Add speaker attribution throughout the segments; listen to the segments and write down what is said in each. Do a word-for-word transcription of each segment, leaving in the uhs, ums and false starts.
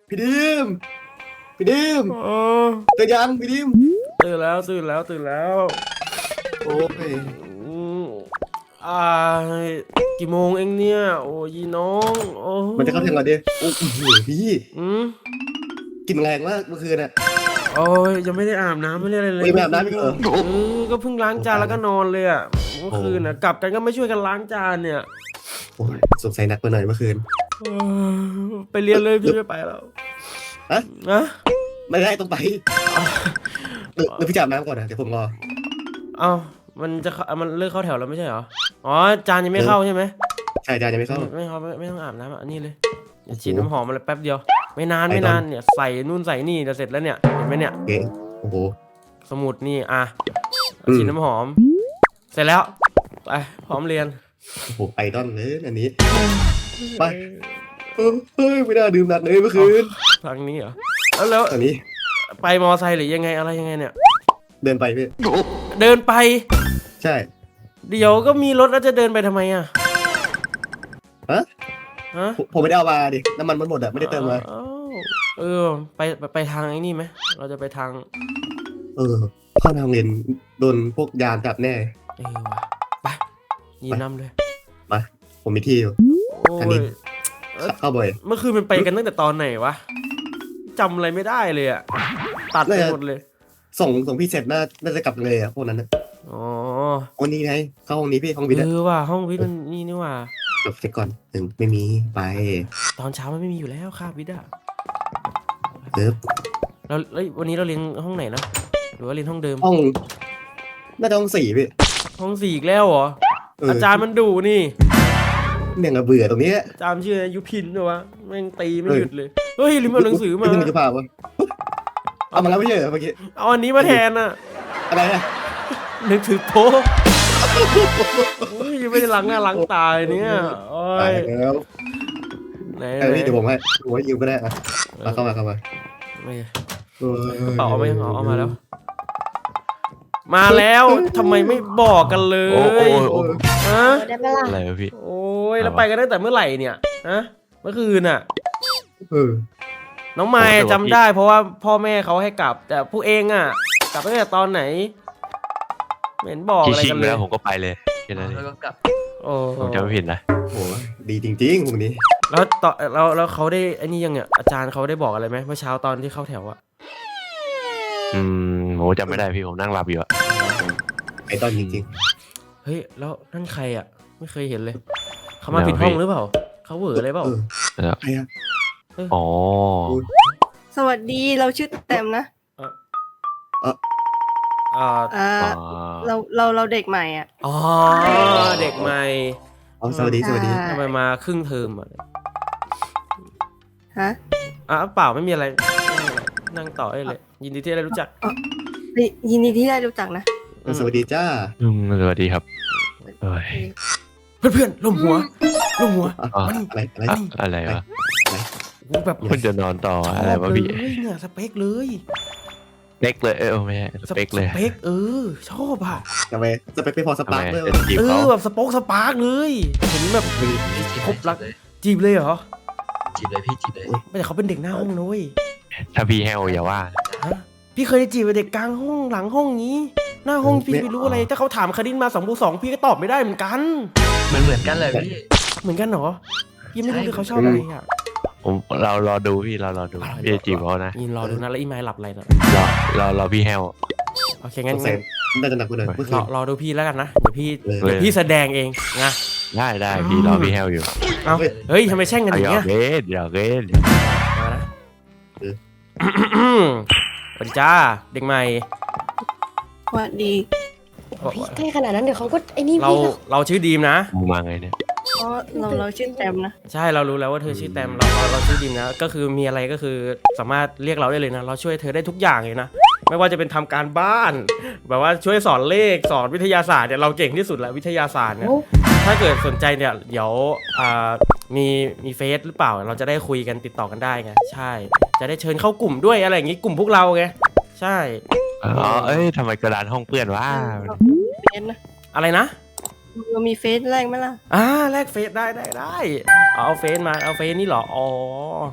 Speaker 1: พี่ดิมพี่ดิม
Speaker 2: เออ
Speaker 1: ตื่นยังพี่ดิม
Speaker 2: ตื่นแล้วตื่นแล้วตื่นแล้ว
Speaker 1: โอ้ย
Speaker 2: อืมอ่ากี่โมงเองเนี่ยโอ้ยน้องโอ้
Speaker 1: มันจะเข้าเที่ยงแล้วดิโอ้โหพี่
Speaker 2: อืม
Speaker 1: กินแรงมากเมื่อคืนอ่ะ
Speaker 2: โอ้ยยังไม่ได้อาบน้ำไม่ได้อะไรเลย
Speaker 1: ไม่ไปอาบน้ำอีกเหรอ
Speaker 2: เออก็เพิ่งล้างจานแล้วก็นอนเลยอ่ะเมื่อ
Speaker 1: โอ้
Speaker 2: คืนน่ะกลับกันก็ไม่ช่วยกันล้างจานเนี่ย
Speaker 1: โอ้ยสงสัยหนักไปหน่อยเมื่อคืน
Speaker 2: เออไปเรียนเลยพี่ไม่ไปแล้ว
Speaker 1: ฮะ
Speaker 2: นะ
Speaker 1: ไม่ได้ต้องไปเดี๋ยวเดี๋ยวพี่จะอาบน้ำก่อนนะเดี๋ยวผมรอ
Speaker 2: เอ้ามันจะเข้ามันเลิกเข้าแถวแล้วไม่ใช่เหรออ๋อจานยังไม่เข้าใช่ไหม
Speaker 1: ใช่จานยังไม่เข้า
Speaker 2: ไม่เขาไม่ไม่ต้องอาบน้ำอ่ะนี่เลยอย่าฉีดน้ำหอมอะไรแป๊บเดียวไม่นานไม่นานเนี่ยใส่นู่นใส่นี่จะเสร็จแล้วเนี่ยเห็นไหมเนี่ย
Speaker 1: เก่งโอ้โห
Speaker 2: สมุดนี่อ่ะ
Speaker 1: อืม
Speaker 2: ฉีดน้ำหอมเสร็จแล้วไปพร้อมเรียน
Speaker 1: โอ้โหไอดอลเลยอันนี้ไปเฮ้ยไม่น่าดื่มหนักเลยเมื่อคืน
Speaker 2: ทางนี้เหรอแล้วแล้ว
Speaker 1: อันนี้
Speaker 2: ไปมอไซค์หรือยังไงอะไรยังไงเนี่ย
Speaker 1: เดินไปพี่
Speaker 2: เดินไป
Speaker 1: ใช่
Speaker 2: เดี๋ยวก็มีรถแล้วจะเดินไปทำไมอ่ะ
Speaker 1: ฮะ
Speaker 2: ฮะ
Speaker 1: ผมผมไม่ได้เอามาดิน้ำมันมันหมดอะไม่ได้เติมมา
Speaker 2: อ้าวเออไปไปไปทางไอ้นี่ไหมเราจะไปทาง
Speaker 1: เออเข้าทางเรียนโดนพวกยามจับแน่
Speaker 2: เออว่ะไปยีนำเลย
Speaker 1: มาผมมีที่อยู่
Speaker 2: โอ้
Speaker 1: อันนี้
Speaker 2: ย
Speaker 1: เข้าบ่อย
Speaker 2: เมื่อคืนมันไปกันตั้งแต่ตอนไหนวะจำอะไรไม่ได้เลยอะตัดไปหมดเลย
Speaker 1: ส่งส่งพี่เสร็จน่าน่าจะกลับเลยอะพวกนั้นนะ
Speaker 2: อ๋อ
Speaker 1: วันนี้ไงเข้าห้องนี้พี่ห้องวิทย์
Speaker 2: เอ
Speaker 1: อะ
Speaker 2: อว่ะห้องวิทย์มันนี่นี่ว่ะ
Speaker 1: จบเสร็จก่อนหนึ่งไม่มีไป
Speaker 2: ตอนเช้ามันไม่มีอยู่แล้วคาบวิทย์อะ
Speaker 1: เติบ
Speaker 2: เราแล้ววันนี้เราเรียนห้องไหนนะหรือว่าเรียนห้องเดิม
Speaker 1: ห้องน่าจะห้องสี่พี่
Speaker 2: ห้องสี่อีกแล้วเหรออาจารย์มันดุนี่
Speaker 1: เนี่ยเบื่อตรงนี้
Speaker 2: อาจารย์ชื่อยุพินเหรอวะแม่งตีไม่หยุดเลยเฮ้ยลืมเอาหนังสือมา
Speaker 1: เพิ่งจะพาวะเอามาแล้วไม่ใช่เหรอเมื่อกี้
Speaker 2: เอาอันนี้มาแทนอะ
Speaker 1: อะไรนะ
Speaker 2: นึกถึงโป๊ะยังไม่ได้ล้างหน้าล้างตาเนี่ยโอ้
Speaker 1: ตาย
Speaker 2: ย
Speaker 1: แล้ว
Speaker 2: ไหน
Speaker 1: เออ
Speaker 2: ไหน
Speaker 1: นี่เดี๋ยวผมให้ผมให้ยืมก็ได้อะมาเข้ามาเข้ามา
Speaker 2: ไม่ก
Speaker 1: เออ
Speaker 2: ระเป๋าเอาไหมเอาเอามาแล้ว มาแล้วทำไมไม่บอกกันเล
Speaker 3: โอ้โอ้
Speaker 2: ย
Speaker 3: โอ้
Speaker 2: ฮะ
Speaker 4: ได้ไหมล่ะ
Speaker 3: อะไรวะพี่
Speaker 2: โอ้ยแล้วไปกันตั้งแต่เมื่อไหร่เนี่ยฮะเมื่อคืนน่ะ
Speaker 1: เออ
Speaker 2: น้องไม้จำได้เพราะว่าพ่อแม่เขาให้กลับ แต่ผู้เองอ่ะกลับตั้งแต่ตอนไหนไม่เห็นบอกอะไรกันเลย
Speaker 3: แล้วผมก็ไปเลยแค่นั้นเอง
Speaker 4: แล้วก็กลับ
Speaker 2: โอ้
Speaker 3: ผมจำไม่ผิดนะ
Speaker 1: โหดีจริงๆพวกนี้
Speaker 2: แล้วตอนแล้วแล้วเขาได้ไอ้นี่ยังเนี่ยอาจารย์เขาได้บอกอะไรไหมเมื่อเช้าตอนที่เข้าแถวอะ
Speaker 3: อืมโหจำไม่ได้พี่ผมนั่งหลับอยู่อะ
Speaker 1: ไอตอนจริง
Speaker 2: เฮ้ยแล้วนั่นใครอะไม่เคยเห็นเลยเขามาผิดห้องหรือเปล่าเขาเหวออะไรเปล่า
Speaker 1: ๆเออใครอะ
Speaker 3: อ๋อ
Speaker 4: สวัสดีเราชื่อแต้มนะ
Speaker 2: อ่า
Speaker 4: อ่า
Speaker 3: อ๋อ
Speaker 4: เราเราเราเด็กใหม่อ่ะ
Speaker 2: อ๋อเด็กใหม่
Speaker 1: อ๋อสวัสดีสวัสดี
Speaker 2: ทำไมมาครึ่งเทอมอะ
Speaker 4: ฮะ
Speaker 2: อ่ะเปล่าไม่มีอะไรนั่งต่อได้เลยยินดีที่ได้รู้จัก
Speaker 4: ยินดีที่ได้รู้จักนะ
Speaker 1: สวัสดีจ้า
Speaker 3: อืมสวัสดีครับเอ้ย
Speaker 2: เพื่อนเพื่อนลมหัวลมหัว
Speaker 3: อ๋อ
Speaker 1: อะไรอะไร
Speaker 3: อะอะไรวะ
Speaker 2: แบบ
Speaker 3: คุณจะนอนต่ออะไรวะพี่
Speaker 2: ชอบเลยเนี่ยสเปคเลย
Speaker 3: เป๊กเลยเออไม่ใช่สเป๊กเลย
Speaker 2: สเปคเออชอบอ่ะ
Speaker 1: ทำไมจะไปไปพอส
Speaker 3: ทำ
Speaker 1: ปา
Speaker 3: ไม
Speaker 1: ร์กด้วย
Speaker 3: จะจีบ
Speaker 2: เอ
Speaker 3: เขา
Speaker 2: อแบบสป็อกสปาร์กเลยเห็นแบบครบรักจีบเลยเหรอ
Speaker 5: จีบเลยพี่จีบเลย
Speaker 2: แต่เขาเป็นเด็กหน้าห้องนุ้ย
Speaker 3: ถ้าพี่แฮวอย่าว่า
Speaker 2: ฮะพี่เคยจีบเด็กกลางห้องหลังห้องนี้ หน้าห้องพี่ไม่รู้อะไรถ้าเขาถามคดินมาสองบวกสองพี่ก็ตอบไม่ได้เหมือนกัน
Speaker 5: มันเหมือนกันเลยพี่
Speaker 2: เหมือนกันเหรอพี่ไม่รู้เลยเขาชอบอะไรอ่ะ
Speaker 3: ผมเรารอดูพี่เรารอดูพี่จะจีบเขานะ
Speaker 2: ยินรอดูนะแล้วอีไมล์หลับอะไรนะ
Speaker 3: รอรอรอพี่แฮว
Speaker 2: โอเคงั้น
Speaker 1: สงสัยน่าจะหนักกว่าเดิมเมื่อคื
Speaker 2: ร
Speaker 1: น
Speaker 2: อรอดูพี่แล้วกันนะเดี๋ยวพี่
Speaker 1: เลย
Speaker 2: เดี๋ยวพี่แสดงเองนะ
Speaker 3: ได้ได้พี่รอพี่แฮวอยู่
Speaker 2: เอาเฮ้ยทำไมแช่งกันอ
Speaker 3: เอา
Speaker 2: ย่าง
Speaker 3: หยอ
Speaker 2: เงี้
Speaker 3: ก
Speaker 2: ย
Speaker 3: เล่นหยอกเล่น
Speaker 2: มานะ
Speaker 1: เออ
Speaker 2: สวัสดีจ้าเด็กใหม่
Speaker 4: สวัสดี
Speaker 6: พี่ใกล้ขนาดนั้นเดี๋ยวเขาก็ไอ้นี่
Speaker 2: เรา
Speaker 6: พี่ก็
Speaker 2: เราชื่อดีมนะ
Speaker 3: มึงมาไงเนี่ย
Speaker 4: เพราะเราเราชื่อแต้มนะ
Speaker 2: ใช่เรารู้แล้วว่าเธอชื่อแตมเราเราเราชื่อดีมนะก็คือมีอะไรก็คือสามารถเรียกเราได้เลยนะเราช่วยเธอได้ทุกอย่างเลยนะไม่ว่าจะเป็นทำการบ้าน แบบว่าช่วยสอนเลขสอนวิทยาศาสตร์เนี่ยเราเก่งที่สุดแล้ววิทยาศาสตร์เนี่ย
Speaker 6: โอ้
Speaker 2: ถ้าเกิดสนใจเนี่ยเดี๋ยวอ่ามีมีเฟซหรือเปล่าเราจะได้คุยกันติดต่อกันได้ไงใช่จะได้เชิญเข้ากลุ่มด้วยอะไรอย่างงี้กลุ่มพวกเราไงใช่
Speaker 3: อ๋อเอ้ยทำไมกระดานห้องเปื้อนวะ
Speaker 4: เฟซนะ
Speaker 2: อะไรนะ
Speaker 4: เรามีเฟซแรกไหมล่ะ
Speaker 2: อ่าแลกเฟซได้ได้ได้เอาเฟซมาเอาเฟซนี่เหรออ๋อ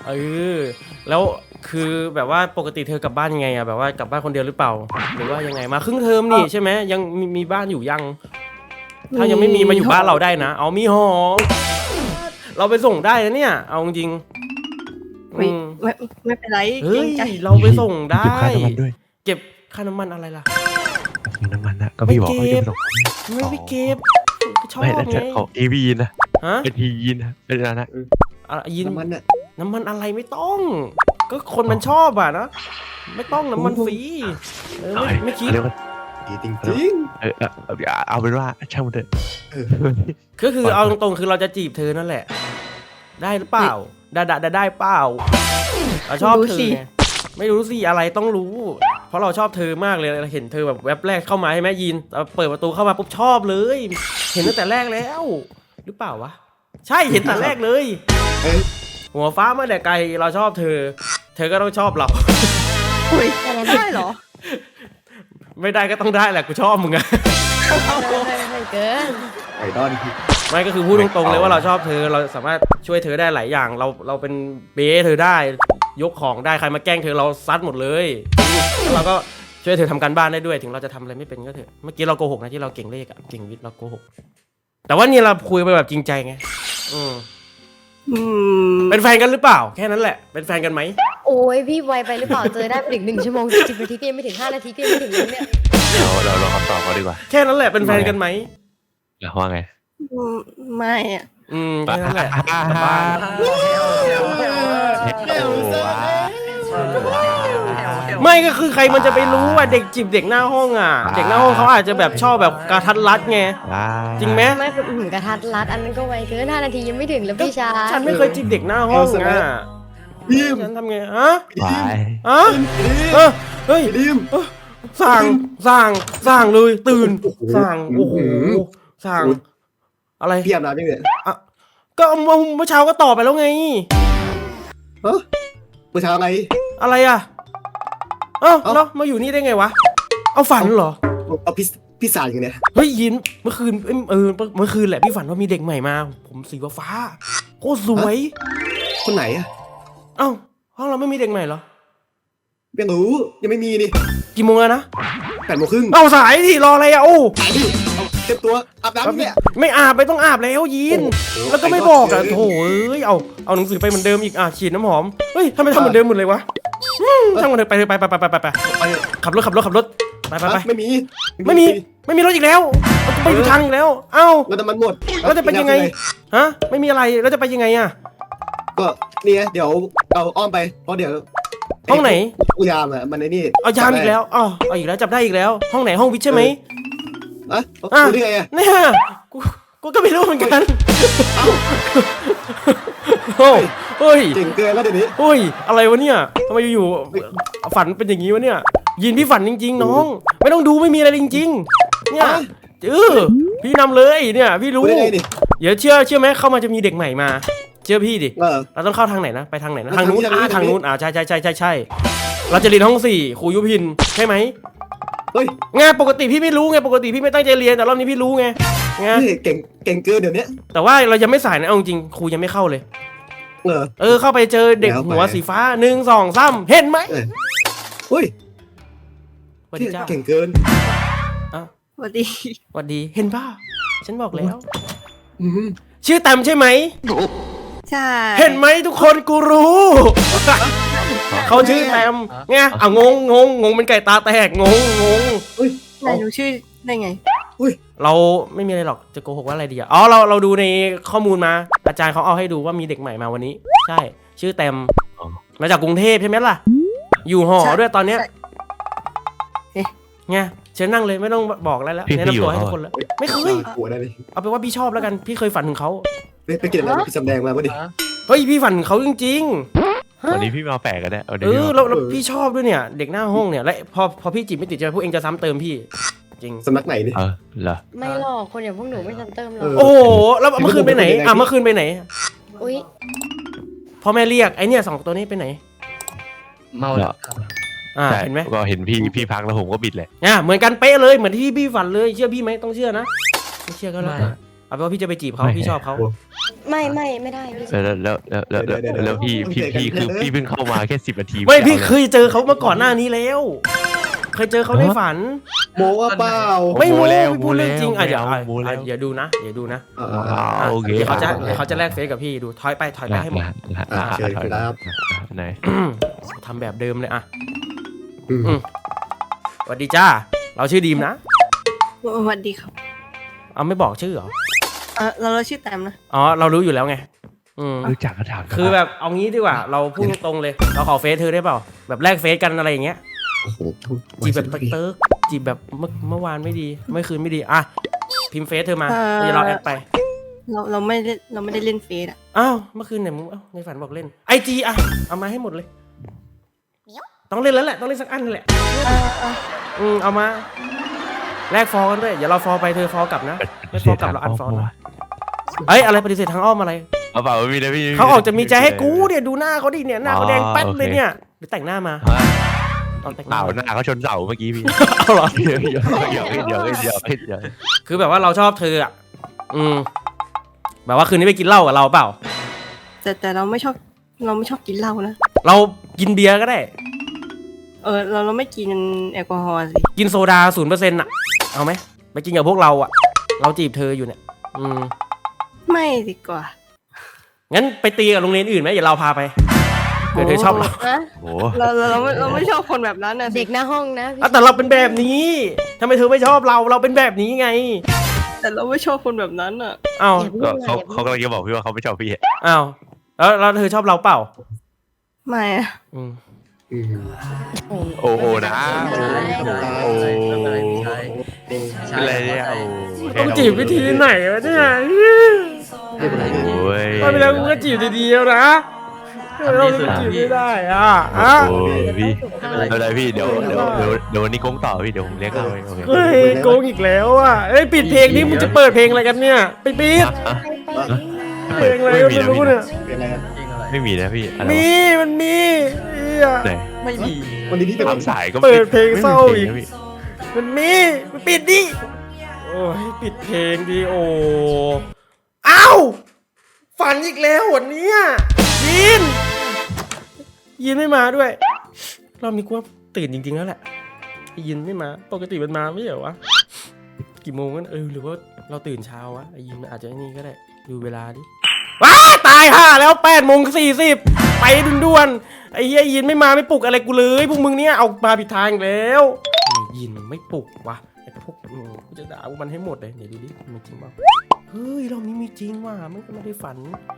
Speaker 2: เออแล้วคือแบบว่าปกติเธอกลับบ้านยังไงอะแบบว่ากลับบ้านคนเดียวหรือเปล่า หรือว่ายังไงมาครึ่งเทอมนี่ใช่ไหมยังมีมีบ้านอยู่ยัง ถ้ายังไม่มีมาอยู่บ้านเราได้นะ เอามีหอเราไปส่งได้นะเนี่ยเอาจริงๆ
Speaker 4: ไม่
Speaker 2: อืม
Speaker 4: ไม่ไม่เป็นไร
Speaker 2: เฮ้
Speaker 4: เกร
Speaker 2: ย
Speaker 4: งใจ
Speaker 2: เราไปส่งได้
Speaker 3: เก็บค่าน้ำมันด้วย
Speaker 2: เก็บค่าน้ำมันอะไรล่ะ
Speaker 3: น้ำมันนะก็พี่บอกเขาจะไปส่ง
Speaker 2: ไม่ไปเก็บชอบ
Speaker 3: ไม่แต่
Speaker 2: ไง
Speaker 3: ของเอวีนะ
Speaker 2: ฮะ
Speaker 3: เป็นทียีนนะเป็นอะไรนะ
Speaker 2: อะไรยิน
Speaker 1: น้ำมันอ่ะ
Speaker 2: น้ำมันอะไรไม่ต้อง ก็คนมันชอบอ่ะนะไม่ต้องน้ำมันฟรีเออไม่ไม่คิด
Speaker 3: เรียกว่า
Speaker 1: ดีจริง
Speaker 3: เออเออเอาเอาเป็นว่าช่างมันเถอะ
Speaker 1: ๆเออ
Speaker 2: ก็คือเอาตรงๆคือเราจะจีบเธอนั่นแหละ ได้หรือเปล่าได้ได้ได้ได้เปล่าเราชอบเธอไงไม่รู้สิอะไรต้องรู้ เพราะเราชอบเธอมากเลยเราเห็นเธอแบบแวบแรกเข้ามาใช่ไหมยินเราเปิดประตูเข้ามาปุ๊บชอบเลย เห็นตั้งแต่แรกแล้ว หรือเปล่าวะใช่เห็นแต่แรกเลย
Speaker 1: เอ้ย
Speaker 2: หัวฟ้ามาแต่ไกลเราชอบเธอ เธอก็ต้องชอบเรา
Speaker 4: อุ้ยได้เหรอ
Speaker 2: ไม่ได้ก็ต้องได้แหละกูชอบมึงอะ
Speaker 6: ไม่เกิน
Speaker 1: ไอดอล
Speaker 2: ไม่ก็คือพูดตรงๆเลยว่าเราชอบเธอเราสามารถช่วยเธอได้หลายอย่าง เราเราเป็นเบ้เธอได้ยกของได้ใครมาแกล้งเธอเราซัดหมดเลยแล้วเราก็ช่วยเธอทำการบ้านได้ด้วยถึงเราจะทำอะไรไม่เป็นก็เถอะเมื่อกี้เราโกหกนะที่เราเก่งเลขอะเก่งวิทย์เราโกหกแต่ว่านี่เราคุยไปแบบจริงใจไงอืม
Speaker 4: อืม
Speaker 2: เป็นแฟนกันหรือเปล่าแค่นั้นแหละเป็นแฟนกันไหม
Speaker 6: โอ้ยพี่ไวไปหรือเปล่าเจอได้ไปถึงหนึ่งชั่วโมงสิบนาทีก็ยังไม่ถึงห้านาทีก็ยังไม่ถึงเลยเนี่ย
Speaker 3: เราเราลองคำตอบเขาดีกว่า
Speaker 2: แค่นั้นแหละเป็นแฟนกันไหม
Speaker 3: แล้วว่าไง
Speaker 4: อืมไม่อะ
Speaker 2: อืมแค่นั้นแหละกลับบ้านไม่ก็คือใครมันจะไปรู้ว่าเด็กจีบเด็กหน้าห้องอ่ะ เด็กหน้าห้องเขาอาจจะแบบชอบแบบกระทัดรัดไงจริงไหม
Speaker 6: ไม่เป็นหืมกระทัดรัดอันนั้นก็ไวเกินห้านาทียังไม่ถึงแล้วพี่ชาย
Speaker 2: ฉันไม่เคยจีบเด็กหน้าห้องอ่ะ
Speaker 1: ดิม
Speaker 2: ฉันทำไงฮะ
Speaker 3: ไป
Speaker 2: ฮะเออเฮ้ย
Speaker 1: ดิม
Speaker 2: สั่งสั่งสั่งเลยตื่นสั่งโอ้โหสั่งอะไร
Speaker 1: พี่อาบน้ำยังเนี่ย
Speaker 2: ก็เมื่อเช้าก็ตอบไปแล้วไง
Speaker 1: เฮ้ยเมื่อเช้าไง
Speaker 2: อะไรอ่ะเอ้า
Speaker 1: เอ้า
Speaker 2: แล้วมาอยู่นี่ได้ไงวะเอาฝันเหรอ
Speaker 1: เอาพี่พี่สารอย่างเนี้ย
Speaker 2: เฮ้ยยินเมื่อคืนเอ้ยเออเมื่อคืนแหละพี่ฝันว่ามีเด็กใหม่มา ผมสีฟ้าๆโคตรสวย
Speaker 1: คนไหนอะ
Speaker 2: เอ้าห้องเราไม่มีเด็กใหม่เหรอ
Speaker 1: ยังรู้ยังไม่มีนี่
Speaker 2: กี่โมงแล้วนะ
Speaker 1: แปดโมงครึ่ง
Speaker 2: เอ้าสายดิรออะไรอ่ะโอ้
Speaker 1: สายดิเอาเต็มตัวอาบน้ำเนี่ย
Speaker 2: ไม่อาบไปต้องอาบแล้วยิน
Speaker 1: โอ้โห
Speaker 2: แล้วก็ไม่บอกอ่ะโถเอ้ยเอาเอาหนังสือไปเหมือนเดิมอีกอ่ะฉีดน้ำหอมเฮ้ยทำไมทำเหมือนเดิมหมดเลยวะอืมช่างมันเถอะไปเถอะไปไปไปไปไปไป
Speaker 1: ไป
Speaker 2: ขับรถขับรถขับรถไปไปไป
Speaker 1: ไม่มี
Speaker 2: ไม่มีไม่มีรถอีกแล้วไปอยู่ทางอีกแล้วเอ้า
Speaker 1: แล้วน้ำมันหมด
Speaker 2: แล้วจะไปยังไงฮะไม่มีอะไรแล้วจะไปยังไงอ่ะ
Speaker 1: ก็เนี่ยเดี๋ยวเราอ้อมไปเพราะเดี๋ยว
Speaker 2: ห้องไหน
Speaker 1: อุยามอะมันในนี่
Speaker 2: เอายามอีกแล้วอ๋อเอาอีกแล้วจับได้อีกแล้ว ห้องไหนห้องวิทย์ใช่ไหม
Speaker 1: อะ
Speaker 2: อ่ะ
Speaker 1: รู้ได้ไงอะ
Speaker 2: เนี่ยกูกูก็ไม่รู้เหมือนกันโอ้เฮ้ย
Speaker 1: เก่งเกินแล้วเดี๋ยวนี้
Speaker 2: เฮ้ยอะไรวะเนี่ยทำไมอยู่ๆฝันเป็นอย่างนี้วะเนี่ยยินพี่ฝันจริง ๆ น้อง ไม่ต้องดูไม่มีอะไรจริง ๆ เนี่ยเออพี่นำเลยเนี่ยพี่รู้
Speaker 1: รู้ได้ไงดิ
Speaker 2: เดี๋ยวเชื่อเชื่อไหมเข้ามาจะมีเด็กใหม่มา เชื่อพี่ดิ
Speaker 1: เออ
Speaker 2: เราต้องเข้าทางไหนนะไปทางไหนนะ
Speaker 1: ทา
Speaker 2: ทาง งนู้น
Speaker 1: นี้
Speaker 2: อ่า
Speaker 1: ทา
Speaker 2: ทาง ง
Speaker 1: นี้
Speaker 2: นู้นอ่าใช่ใช่ใช่ใช่ใช่เราจะเรียนห้องสี่ครูยุพินใช่ไหม
Speaker 1: เฮ้ย
Speaker 2: ไงปกติพี่ไม่รู้ไงปกติพี่ไม่ตั้งใจเรียนแต่รอบนี้พี่รู้ไงไง
Speaker 1: เฮ้ยเก่งเก่งเกินเดี๋ยวนี้
Speaker 2: แต่ว่าเรายังไม่สายนะเอาจริงครูยังไม่เข้าเลย
Speaker 1: เออ
Speaker 2: เออเข้าไปเจอเด็ก
Speaker 1: แล้วไป
Speaker 2: หัวสีฟ้าหนึ่งสองสามเห็นไหม
Speaker 1: เออเฮ้ย
Speaker 2: สวัสดีจ้า
Speaker 1: เก่งเกิน
Speaker 4: สวัสดี
Speaker 2: สวัสดีเห็นป่ะฉันบอกแล้ว
Speaker 1: อืม
Speaker 2: ชื่อแตมใช่ไหม
Speaker 4: ใช่
Speaker 2: เห็นไหมทุกคนกูรู้ เขาชื่อแตมไงอ่ะงงงงงงเป็นไก่ตาแตกงงงง
Speaker 4: นายรู้ชื่อได้ไง
Speaker 2: เราไม่มีอะไรหรอกจะโกหกว่าอะไรดีอ่ะอ๋อเราเราดูในข้อมูลมา อาจารย์เขาเอาให้ดูว่ามีเด็กใหม่มาวันนี้ ใช่ ชื่อแตมมาจากกรุงเทพใช่ไหมล่ะ อยู่หอ
Speaker 4: ใช่
Speaker 2: ด้วยตอนเนี้ย
Speaker 4: ใช่เอ๊ะ
Speaker 2: ไงเชิญนั่งเลยไม่ต้องบอกอะไรแล้ว
Speaker 3: พี่
Speaker 2: แนะ
Speaker 3: พี่อยู่
Speaker 2: นำตัวให้
Speaker 3: เหรอ
Speaker 2: ทุกคนแล้วไม่เคย
Speaker 1: หัวได้เลย
Speaker 2: เอาเป็นว่าพี่ชอบแล้วกันพี่เคยฝันถึงเขา
Speaker 1: ไปไปกินอะไรพี่สำแดงมาปะดิ
Speaker 2: เฮ้ยพี่ฝันถึงเขาจริง
Speaker 3: วันนี้พี่มาแปลกกันแน่วัน
Speaker 2: ๆ
Speaker 3: นี้
Speaker 2: เอ
Speaker 3: พี่
Speaker 2: อ
Speaker 3: มา
Speaker 2: แล้วแล้วพี่ชอบด้วยเนี่ย เด็กหน้าห้องเนี่ยและพอพอพี่จีบไม่ติดใจพวกเองจะซ้ำเติมพี่จริง
Speaker 1: สำนักไหนดิ
Speaker 3: เออเหรอ
Speaker 6: ไม่หรอกคนอย่างพวกหนูไม่ทันเติมหรอ
Speaker 1: เออ
Speaker 6: ก
Speaker 2: โอ้โหแล้วเมื่อคืนไปไหนอ่ะเมื่อคืนไปไหน
Speaker 6: อุ้ย
Speaker 2: พ่อแม่เรียกไอเนี่ยสองตัวนี้ไปไหน
Speaker 5: เมาแล้ว
Speaker 2: อ่า
Speaker 3: ใช่
Speaker 2: เห็นไหม
Speaker 3: ก็เห็นพี่พี่พักแล้วผมก็บิดเลย
Speaker 2: อ่าเหมือนกันเป๊ะเลยเหมือนที่พี่ฝันเลยเชื่อพี่ไหมต้องเชื่อนะไม่เชื่อก็แล้วแต่เอาเป็นว่าพี่จะไปจีบเขาพี่ชอบเขา
Speaker 6: ไม่ไม่ไม่ได้พี่
Speaker 3: แล้วแล้วแล้วแล้วแล้วแล้วแล้วพี่พี่พี่คือพี่เพิ่งเข้ามาแค่สิบนาที
Speaker 2: ไม่พี่เคยเจอเขามาก่อนหน้านี้แล้ว เคยเจอเขาในฝัน
Speaker 1: โมว่าเปล่า
Speaker 2: ไม่โม้
Speaker 3: แล้ว
Speaker 2: พี่พูดเรื่องจริงอ่ะ
Speaker 3: โม
Speaker 2: เดี๋ยว
Speaker 3: แล้ว
Speaker 2: อ่ะ
Speaker 3: โมแล้ว
Speaker 2: อ่ะเดี๋ยวดูนะเดี๋ยวดูนะ
Speaker 1: อ่า
Speaker 3: อ่าโอเค
Speaker 2: เดี๋ยวเขาจะ
Speaker 3: อ่
Speaker 2: เดี๋ยวเขาจะแลกเฟซกับพี่ดูถอยไปถอยไปให้หมด
Speaker 1: อ่าเชิญครับ
Speaker 3: ไหน
Speaker 2: ทำแบบเดิมเลยอ่ะ
Speaker 1: อืม
Speaker 2: อืม สวัสดีจ้าเราชื่อดีมนะ
Speaker 4: สวัสดีครับ
Speaker 2: เอาไม่บอกชื่อเหรอ
Speaker 4: เออเราเราชื่อแตมนะ
Speaker 2: อ๋อเรารู้อยู่แล้วไงอืม
Speaker 3: รู้จักก็ถาม
Speaker 2: คือแบบเอางี้ดีกว่า เราพูดตรงๆเลย เราขอเฟซเธอได้เปล่าแบบแลกเฟซกันอะไรอย่างเงี้ย
Speaker 1: โอ้โห
Speaker 2: จีบแบบเติร์กๆจีบแบบเมื่อเมื่อวานไม่ดีเมื่อคืนไม่ดีอ่ะพิมพ์เฟซเธอมาเดี๋ยวเราแอดไป
Speaker 4: เราเราไม่เล่นเราไม่ได้เล่นเฟซอ่ะ
Speaker 2: อ้าวเมื่อคืนเนี่ยมึงเอ้าในฝันบอกเล่นไอจีอ่ะเอามาให้หมดเลยต้องเล่นแล้วแหละต้องเล่นสักอันแหละ
Speaker 4: เออเออ
Speaker 2: อืมเอามาแลกฟอลกันด้วยอย่าเราฟอลไปเธอฟอลกลับนะไม่ฟอลกลับเราอันฟอลนะเอ้ยอะไรปฏิเสธทางอ้อมอะไร
Speaker 3: เอาเปล่าไม่มีนะพี่
Speaker 2: เขาออกจะมีใจให้กูเนี่ยดูหน้าเขาดิเนี่ยหน้าเขาแดงแป๊ดเลยเนี่ยไปแต่งหน้ามาตอนแต่งห
Speaker 3: เป
Speaker 2: น้า
Speaker 3: ล่าหน้าเขาชนเสาเมื่อกี้พี่
Speaker 2: เอาเหรอ
Speaker 3: เดี๋ยวเดี๋ยวเดี๋ยวเดี๋ยวเดี๋ยวเดี๋ยวเดี๋ยว
Speaker 2: คือแบบว่าเราชอบเธออ่ะอืมแบบว่าคืนนี้ไปกินเหล้ากับเราเปล่า
Speaker 4: แต่แต่เราไม่ชอบเราไม่ชอบกินเหล้านะ
Speaker 2: เรากินเบียร์ก็ได้
Speaker 4: เออเราเราไม่กินแอลกอฮอล์สิ
Speaker 2: กินโซดาศูนย์เปอร์เซ็นต์อ่ะเอาไหมไปกินกับพวกเราอ่ะ เราจีบเธออยู่เนี่ยอืม
Speaker 4: ไม่ดีกว่า
Speaker 2: งั้นไปตีกับโรงเรียนอื่นไหมเดี๋ยวเราพาไปเดี๋ยวเธอชอบเรา
Speaker 6: ฮะ
Speaker 3: โอ้
Speaker 4: เราเราเราไม่เราไม่ชอบคนแบบนั้นนะสิ
Speaker 6: เด็กหน้าห้องนะพี่
Speaker 2: อ่ะแต่เราเป็นแบบนี้ทำไมเธอไม่ชอบเราเราเป็นแบบนี้ไง
Speaker 4: แต่เราไม่ชอบคนแบบนั้นอ่ะ
Speaker 2: อ้าว
Speaker 6: อย่าพูด
Speaker 3: ก็
Speaker 6: เลย
Speaker 3: เขา
Speaker 6: อย่าพู
Speaker 3: เขา
Speaker 6: ด
Speaker 3: กำลังจะบอกพี่ว่าเขาไม่ชอบพี่
Speaker 2: อ้าวแล้วแล้วเธอชอบเราเปล่า
Speaker 4: ไม่อะ
Speaker 2: อืม
Speaker 1: อืม
Speaker 3: โอ้โหนะ
Speaker 1: โอ้
Speaker 3: อะไรเนี่ยโอ้
Speaker 2: ต้องจีบวิธีไหนวะเนี่ย
Speaker 1: ไม่เป็นไรเลย
Speaker 3: โอ้ย
Speaker 2: ตอนไปแล้วกูก็จีบดีๆแล้วนะเราจะจีบไม่ได้อ่ะอ่ะ
Speaker 3: โอ้ยพี่ไม่เป็นไรพี่เดี๋ยวเดี๋ยวเดี๋ยวเดี๋ยววันนี้โกงต่อพี่เดี๋ยวผมเลี้ยงเอาเองโอเค
Speaker 2: เฮ้ยโกงอีกแล้วอ่ะเอ้ยปิดเพลงนี้มึงจะเปิดเพลงอะไรกันเนี่ยไปปิด
Speaker 3: อ่ะ
Speaker 2: เพลงอะไร
Speaker 3: ไม่
Speaker 2: ก็
Speaker 3: มี
Speaker 2: ไม่
Speaker 3: นะ
Speaker 2: รู้
Speaker 3: พี่
Speaker 2: เนี่ย
Speaker 1: เป็นไรครับ
Speaker 3: ไม่มีนะพี่อะไร
Speaker 2: มี
Speaker 3: วะ
Speaker 2: มันมีเหี้ย
Speaker 3: ไหน
Speaker 5: ไม่มี
Speaker 1: วันนี้พี่เป็น
Speaker 3: ตามสายก็
Speaker 2: เปิดเพลงเศร้าอีก
Speaker 3: ไม่มีพลงนะพี่
Speaker 2: มันมีมันปิดดิโอ้ยปิดเพลงดิโออ้าวฝันอีกแล้ววันเนี้ยยินยินไม่มาด้วยรอบนี้กูว่าตื่นจริงๆแล้วแหละไอ้ยินไม่มาปกติมันมาไม่เหรอวะกี่โมงกันเออหรือว่าเราตื่นเช้าวะไอ้ยินมันอาจจะไอ้นี่ก็ได้ดูเวลาดิว้าตายห่าแล้วแปดโมงสี่สิบไปด่วนๆไอ้เฮียยินไม่มาไม่ปลุกอะไรกูเลยพวกมึงเนี่ยเอามาผิดทางอีกแล้วไอ้ยินไม่ปลุกวะไอ้พวกอืมกูจะด่าพวกมันให้หมดเลยเดี๋ยวดูดิมีจริงเปล่าเฮ้ยรอบนี้มีจริงว่ะมันก็ไม่ได้ฝัน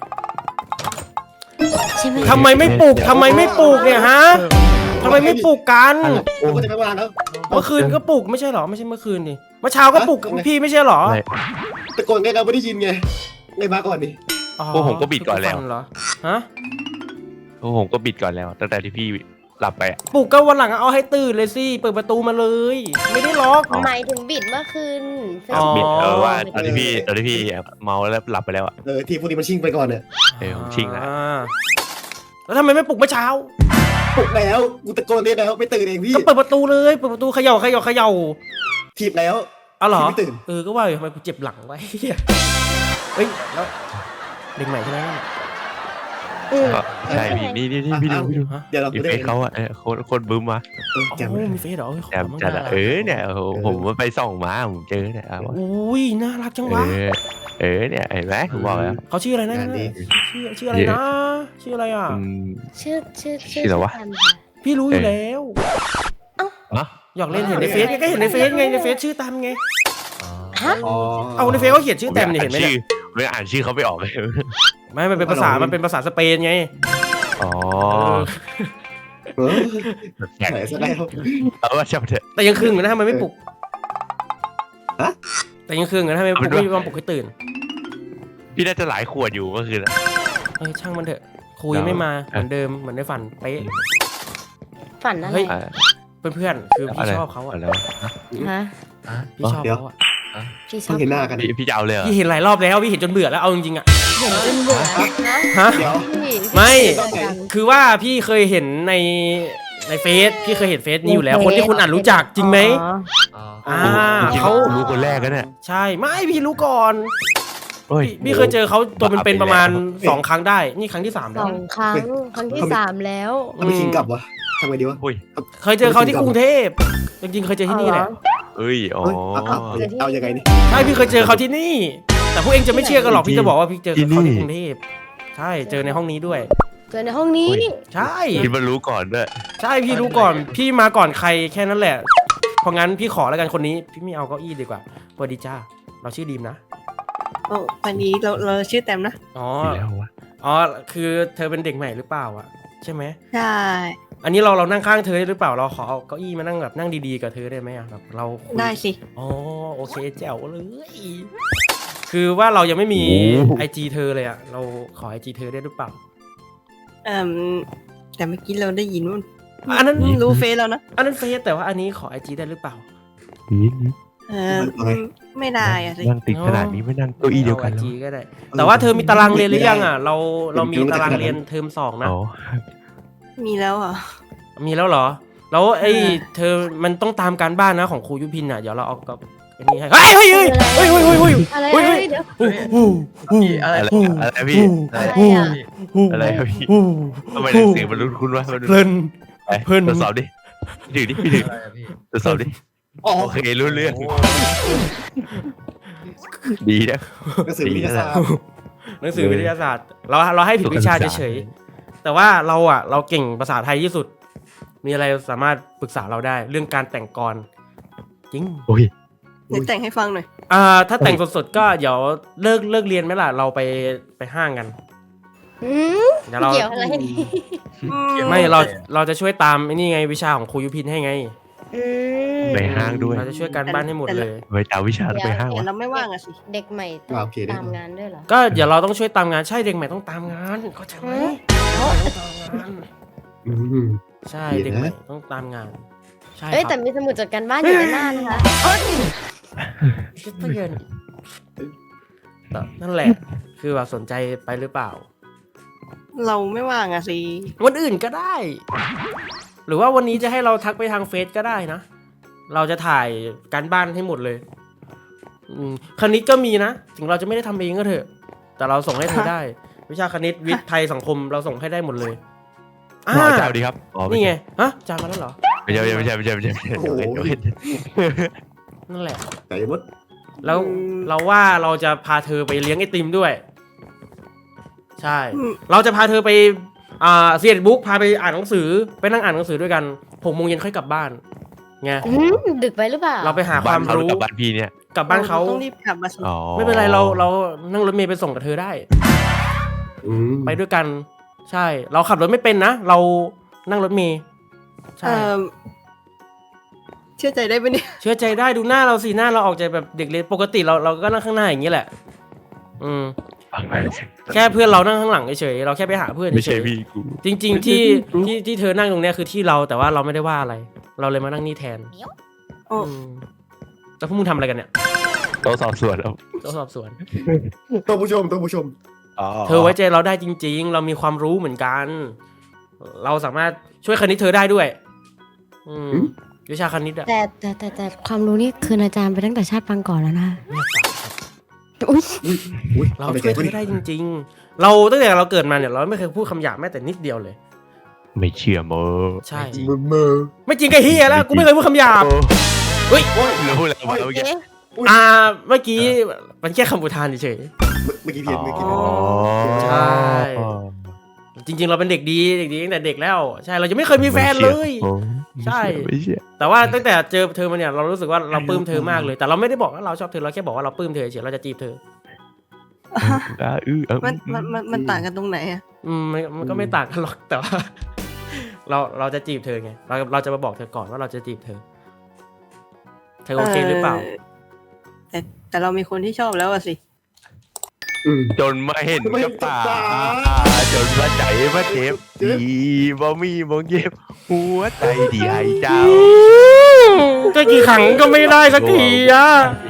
Speaker 6: ใช่ไหม
Speaker 2: ทำไมไม่ปลุกทำไมไม่ปลุกเนี่ยฮะทำไมไม่ปลุกกัน
Speaker 1: โอ้ก็จะไม่มาแล้ว
Speaker 2: เมื่อคืนก็ปลุกไม่ใช่เหรอไม่ใช่เมื่อคืนดิเมื่อเช้าก็ปลุกพี่ไม่ใช่เหรอ
Speaker 3: ไม่
Speaker 1: ตะโกนไงเราไม่ได้ยินไงไงมาก่อนดิ
Speaker 2: อ๋อ
Speaker 3: พวกผมก็บิดก่อนแล้ว
Speaker 2: ฝัเหรอฮะ
Speaker 3: โอ้ผมก็บิดก่อนแล้วตั้งแต่ที่พี่หลับไปอ่ะ
Speaker 2: ปลุกก็วันหลังเอาให้ตื่นเลยสิเปิดประตูมาเลย ไม่ได้ล็อก
Speaker 6: หมายถึงบิดเมื่อคืน
Speaker 2: อ๋อ
Speaker 3: บิดเออว่าตอนที่พี่ตอนที่พี่เมาแล้วหลับไปแล้วอ่ะ
Speaker 1: เออที่พวกนี้มันชิ่งไปก่อนเนี่ย
Speaker 3: เออผมชิงแล้ว
Speaker 2: อ่าแล้วทำไมไม่ปลุกเมื่อเช้า
Speaker 1: ปลุกแล้วกูตะโกนเรียกแล้วไม่ตื่นเองพี่
Speaker 2: ก็เปิดประตูเลยเปิดประตูเขย่าเขย่าเขย่า
Speaker 1: ถีบแล้ว
Speaker 2: เอาเหรอ
Speaker 1: ไม่ตื่น
Speaker 2: เออก็ว่าอยู่ทำไมกูเจ็บหลังไว้เหี้ยเฮ้ยแล้วเด็กใหม่ใช่ไหมนั่นน่ะ
Speaker 6: อืม
Speaker 3: ก็ใช่พี่นี่นี่นี่พี่ดูพี่ดู
Speaker 2: ฮะ
Speaker 1: เดี๋ยวเรา
Speaker 3: อี
Speaker 1: ไม่
Speaker 3: เฟ
Speaker 1: ได้
Speaker 3: ซเขาอ่ะเออโคนโคนบึ้มมา
Speaker 1: เออ
Speaker 2: โอ้
Speaker 1: แจม
Speaker 2: โหมีเฟซเหรอเอ้ยขอ
Speaker 3: แจม
Speaker 2: มั่ง
Speaker 3: จัด
Speaker 2: นะ
Speaker 3: อะเออเนี่ยโอ้โหผมไปส่องมาผมเจอเนี่ยอ่ะวะ
Speaker 2: อุ้ยน่ารักจัง
Speaker 3: เอ
Speaker 2: วะ
Speaker 3: อเออเนี่ยเห็นไหมผมบอกแล้ว
Speaker 2: เขาชื่ออะไรนะชื่อชื่ออะไรนะชื่ออะไรอ่ะ
Speaker 3: อืม
Speaker 6: ชื่อชื่อ
Speaker 3: ชื่ออะไรวะ
Speaker 6: แตมค่ะ
Speaker 2: พี่รู้อยู่แล้ว
Speaker 3: อะ
Speaker 2: อยากเล่นเห็นในเฟซก็เห็นในเฟซไงในเฟซชื่อตามไง
Speaker 6: ฮะ
Speaker 1: อ๋อ
Speaker 2: เอาในเฟซเขาเขียนชื่อแตมเนี่ยเห็นไหม
Speaker 3: ชื่
Speaker 2: เนี่
Speaker 3: อย ไม่อ่านชื่อเขาไม่ออกเลย
Speaker 2: ไม่มันเป็นภาษามันเป็นภาษาสเปนไง
Speaker 3: อ๋อ
Speaker 1: เออ
Speaker 3: แข่ง
Speaker 1: ไหนซะแล้ว
Speaker 3: เอาว่าช่างเถอะ
Speaker 2: แต่ยังคืนอยู่นะทำไมไม่ปลุก
Speaker 1: ฮะ
Speaker 2: แต่ยังคืนอยู่นะทำไมปลุก
Speaker 3: เอาไปด้วย
Speaker 2: ไม่ยอมปลุกให้ตื่น
Speaker 3: พี่น่าจะหลายขวดอยู่เมื่อคืนอะ
Speaker 2: เออช่างมันเถอะคุยไม่มาเหมือนเดิมเหมือนในฝันเป๊ะ
Speaker 6: ฝันอะไร
Speaker 2: เฮ้ย
Speaker 3: อ่ะ
Speaker 2: เพื่อนๆคือ
Speaker 3: อะ
Speaker 2: พี่
Speaker 3: ไร
Speaker 2: ชอบเขาอ่ะ
Speaker 3: แล้ว
Speaker 6: ฮะ
Speaker 2: พี่ชอบเขาอ่ะ
Speaker 6: พี่ชอ
Speaker 1: เพิ่
Speaker 6: บ
Speaker 1: งเห็นหน้ากัน
Speaker 3: พี่พี่จะเอาเลยเหรอ
Speaker 2: พี่เห็นหลายรอบแล้วพี่เห็นจนเบื่อแล้วเอาจริงๆอ่ะ
Speaker 6: เห็นจนเบื่อนะ
Speaker 2: ฮะ
Speaker 1: เดี๋ยว
Speaker 6: พี่
Speaker 2: ไม่
Speaker 6: พี่ดัง
Speaker 2: คือว่าพี่เคยเห็นในในเฟซพี่เคยเห็นเฟซนี้อยู่แล้ว คนที่คุณอ่านรู้จักจริงไหม
Speaker 6: อ๋อ
Speaker 5: อ๋อ
Speaker 2: อ่า
Speaker 3: จริงๆ
Speaker 2: เขา
Speaker 3: รู้คนแรกกันเนี่ย
Speaker 2: ใช่ไม่พี่รู้ก่อน
Speaker 3: อโอ้ย
Speaker 2: พี่พี่เคยเจอเขาตัวเป็นเป็นๆประมาณสองครั้งได้นี่ครั้งที่สาม
Speaker 6: ส
Speaker 2: แล้ว
Speaker 6: องครั้งครั้งที่สามแล้ว
Speaker 1: ถ้าไม่คิงกลับวะทำไงดีวะ
Speaker 3: โอ้ย
Speaker 2: เคยเจอเขาที่กรุงเทพจริงๆเคยเจอที่นี่แหละ
Speaker 3: เอ้ยอ๋อ
Speaker 1: เฮ้ยเอาเอาเอายังไงนี่
Speaker 2: ใช่พี่เคยเจอเขาที่นี่ แต่พวกเองจะไม่เชื่อกันหรอกพี่จะบอกว่าพี่เจอเขาที่กรุงเทพใช่เจอในห้องนี้ด้วย
Speaker 6: เจอในห้องนี้
Speaker 2: ใช่
Speaker 3: คิดว่ารู้ก่อนด้วย
Speaker 2: ใช่พี่รู้ก่อนพี่มาก่อนใครแค่นั้นแหละเพราะงั้นพี่ขอแล้วกันคนนี้พี่ไม่เอาเก้าอี้ดีกว่าสวัสดีจ้าเราชื่อดีมนะ
Speaker 4: โอ้วันนี้เราเราชื่อแตมนะ
Speaker 2: อ๋อ
Speaker 3: อยู่แล้ววะ
Speaker 2: อ๋อคือเธอเป็นเด็กใหม่หรือเปล่าอะใช่ไหม
Speaker 4: ใช่
Speaker 2: อันนี้เราเรานั่งข้างเธอได้หรือเปล่าเราขอเอาเก้าอี้มานั่งแบบนั่งดีๆกับเธอได้ไหมอะแบบเราคุย
Speaker 4: ได้สิ
Speaker 2: อ๋อโอเคแจ๋วเลยคือว่าเรายังไม่มีไอจีเธอเลยอะเราขอไอจีเธอได้หรือเปล่า
Speaker 4: เอ่มแต่เมื่อกี้เราได้ยินว่า
Speaker 2: อันนั้น
Speaker 4: รู้เฟซแล้วนะ
Speaker 2: อันนั้นเฟซแต่ว่าอันนี้ขอไอจีได้หรือเปล่า
Speaker 4: เออไม่ได้อะสิ
Speaker 3: นั่งติดขนาดนี้ไม่นั่งเก้าอี้เดียวกัน
Speaker 2: ไอ
Speaker 3: แล้ว
Speaker 2: จีก็ได้ แต่ว่าเธอมีตารางเรียนหรือยังอะเราเรามีตารางเรียนเทอมสองนะ
Speaker 3: อ๋อ
Speaker 4: มีแล้วเหรอ
Speaker 2: มีแล้วเหรอแล้วไอ้
Speaker 4: เออ
Speaker 2: เธอมันต้องตามการบ้านนะของครูยุพินอะเดี๋ยวเราเอากับไอ้นี่ให้เฮ้ยเฮ้ยเฮ้ยเฮ้ยเฮ้ยเฮ้ยเฮ้ย
Speaker 6: อะไร
Speaker 2: เฮ้ย
Speaker 6: อะไร
Speaker 2: เฮ้ย
Speaker 6: เดี๋ยว
Speaker 5: พี่อะไร
Speaker 3: อะไร
Speaker 5: พี่
Speaker 3: อะไรพี่อะไร
Speaker 6: อะไรอ่ะ
Speaker 3: อะไรครับพี่ทำไมหนังสือมันรุนคุณวะมัน
Speaker 2: เพลิน
Speaker 3: ไป
Speaker 2: เพิ่น
Speaker 3: ตรวจสอบดิถือดิพี่ถือ
Speaker 5: อะไรอะพี่
Speaker 3: ตรวจสอบดิโอเครู้เรื่องดีนะ
Speaker 1: หนังสือวิทยาศาสตร์
Speaker 2: หนังสือวิทยาศาสตร์ เราเราให้ผิดวิชาเฉยๆแต่ว่าเราอะเราเก่งภาษาไทยที่สุด มีอะไรสามารถปรึกษาเราได้เรื่องการแต่งกลจริง
Speaker 3: โอ้ย
Speaker 4: เดี๋ยวแต่งให้ฟังหน่อย
Speaker 2: อ่าถ้าแต่งสดๆก็เดี๋ยวเลิกเลิกเรียนไหมล่ะเราไปไปห้างกัน
Speaker 6: อืม
Speaker 2: เดี๋ยวเรา
Speaker 6: เกี่ยวอะไรนี่
Speaker 2: ไม่เราเราจะช่วยตามไอ้นี่ไงวิชาของครูยุพินให้ไง
Speaker 6: อืม
Speaker 3: ไปห้างด้วย
Speaker 2: เราจะช่วยการบ้านให้หมดเลย
Speaker 3: ไปเอาวิชาแล้วไปห้าง
Speaker 4: แต่
Speaker 3: วะ
Speaker 4: เราไม่ว่างอะสิ
Speaker 6: เด็กใหม่ต้อง
Speaker 1: อ่าโอเคได้
Speaker 6: ตามงานด้วยเหรอ
Speaker 2: ก็เดี๋ยวเราต้องช่วยตามงานใช่เด็กใหม่ต้องตามงานเข้าใจไหม
Speaker 6: เอ้า
Speaker 2: ต้องตามงาน
Speaker 1: อืม
Speaker 2: ใช่
Speaker 1: เดี๋
Speaker 2: เด็
Speaker 1: ย
Speaker 2: ก
Speaker 1: วนะ
Speaker 2: ใหม่ต้องตามงานใช่
Speaker 6: เอ้ย
Speaker 2: ค
Speaker 6: แต่
Speaker 2: รับ
Speaker 6: มีสมุดจดการบ้านอยู่ในหน้านะคะ
Speaker 2: คิดไปเยินแต่นั่นแหละ คือว่าสนใจไปหรือเปล่า
Speaker 4: เราไม่ว่างอะสิ
Speaker 2: วันอื่นก็ได้ หรือว่าวันนี้จะให้เราทักไปทางเฟซก็ได้นะ เราจะถ่ายการบ้านให้หมดเลยอืมคณิตก็มีนะ ถึงเราจะไม่ได้ทำเองก็เถอะ แต่เราส่งให้เธอได้ วิชาคณิตวิทย์ไทยสังคมเราส่งให้ได้หมดเลยอ่า
Speaker 3: อ๋อเจ้าดีครับอ๋อ
Speaker 2: นี่ไง ฮะจานมาแล้วเหรอ
Speaker 3: ไม่ใช่ไม่ใช่ไม่ใช่ไม่ใช่ไม่ใช่เดี๋ยวเห็นเดี๋ยวเห็น
Speaker 2: นั่นแหละ
Speaker 1: ใจมด
Speaker 2: แล้วเราว่าเราจะพาเธอไปเลี้ยงไอติมด้วย ใช่
Speaker 4: อืม
Speaker 2: เราจะพาเธอไปอ่าเซียนบุ๊กพาไปอ่านหนังสือ ไปนั่งอ่านหนังสือด้วยกันหกโมงเย็นค่อยกลับบ้านไง
Speaker 6: อืมดึกไปหรือเปล่า
Speaker 2: เราไปหาค
Speaker 3: บ้าน
Speaker 2: วาม
Speaker 3: เขา
Speaker 2: รู้
Speaker 3: กับบ้านพี่เนี่ย
Speaker 2: กลับบ้านเขา
Speaker 4: ต้องรีบกลับมาสิ
Speaker 3: อ๋อ
Speaker 2: ไม่เป็นไรเราเรานั่งรถเมล์ไปส่งกับเธอได้
Speaker 1: อืม
Speaker 2: ไปด้วยกัน ใช่ เราขับรถไม่เป็นนะ เรานั่งรถเมล์ใช่
Speaker 4: เอ่อเชื่อใจได้ปะเนี่ย
Speaker 2: เชื่อใจได้ดูหน้าเราสิหน้าเราออกใจแบบเด็กเรียนปกติเราเราก็นั่งข้างหน้าอย่างนี้แหละ อืม แค่เพื่อนเรานั่งข้างหลังเฉยๆเราแค่ไปหาเพื่อน
Speaker 3: ไม่
Speaker 2: เฉ
Speaker 3: ใช่
Speaker 2: ย
Speaker 3: พี่กู
Speaker 2: ๆจริง ๆ ที่ที่ที่เธอนั่งตรงเนี้ยคือที่เราแต่ว่าเราไม่ได้ว่าอะไร เราเลยมานั่งนี่แทน
Speaker 4: โอ้
Speaker 2: อืมแล้วพวกมึงทำอะไรกันเนี่ย
Speaker 3: โต๊ะสอบสวนแล้ว
Speaker 2: ต้องสอบสวน
Speaker 1: ต้องผู้ชมต้องผู้ชม
Speaker 3: อ๋อ
Speaker 2: เธอไว้ใจเราได้จริง ๆ เรามีความรู้เหมือนกัน เราสามารถช่วยคณิตเธอได้ด้วย อืมวิชาคณิตอะ
Speaker 6: แต่แต่แต่แต่ความรู้นี่คืนอาจารย์ไปตั้งแต่ชาติปางก่อนแล้วนะอุ๊ย
Speaker 1: อุ้ยอุ้ย
Speaker 2: เรา
Speaker 1: เอาใน
Speaker 2: ช่วย
Speaker 1: ใจ
Speaker 2: เธ
Speaker 1: ปะ
Speaker 2: อ
Speaker 1: เนี่ย
Speaker 2: ได้จริง ๆ เราตั้งแต่เราเกิดมาเนี่ยเราไม่เคยพูดคำหยาบแม้แต่นิดเดียวเลย
Speaker 3: ไม่เชื่อโม
Speaker 2: ใช่
Speaker 1: มือมือ
Speaker 2: ไม่จริงไอ้เฮียแล้วกูไม่เคยพูดคำหยาบ เฮ้ย
Speaker 3: แล้วพูดอะไรมาเมื่อกี้
Speaker 6: เอ๊ะ
Speaker 2: อ่าเมื่อกี้มันแค่คำอุทานเฉย
Speaker 1: เมื่อกี้เพียนเมื่อกี้
Speaker 3: อ๋อ
Speaker 2: ใช่ ๆจริง ๆ เราเป็นเด็กดีเด็กดีตั้งแต่เด็กแล้ว ใช่เราจะไม่เคยมีแฟนเลย
Speaker 3: โอ้
Speaker 2: ใช่
Speaker 3: ไม่เชื่อ
Speaker 2: แต่ว่าตั้งแต่เจอเธอมาเนี่ยเรารู้สึกว่าเราปลื้มเธอมากเลย แต่เราไม่ได้บอกว่าเราชอบเธอเราแค่บอกว่าเราปลื้มเธอเฉยเราจะจีบเธอ
Speaker 3: อ่าอื้อเออ
Speaker 4: มันมันมันมันต่างกันตรงไหนอะ
Speaker 2: อืมมันมันก็ไม่ต่างกันหรอกแต่ว่า เราเราจะจีบเธอไงเราเราจะมาบอกเธอก่อนว่าเราจะจีบเธอ เธอโอเคหรือเปล่า
Speaker 4: แต่แต่เรามีคนที่ชอบแล้วอะสิ
Speaker 1: อืม
Speaker 3: จนมาเห็น
Speaker 1: ไม่เห็
Speaker 3: กับ
Speaker 1: นกับ
Speaker 3: ตา
Speaker 1: ตา
Speaker 3: จนมาใจมาเจ็บดีบ่มีบ่เย็บหัวใจดีไอเจ้า
Speaker 2: ก็กี่ครั้งก็ไม่ได้สักทีอ่ะ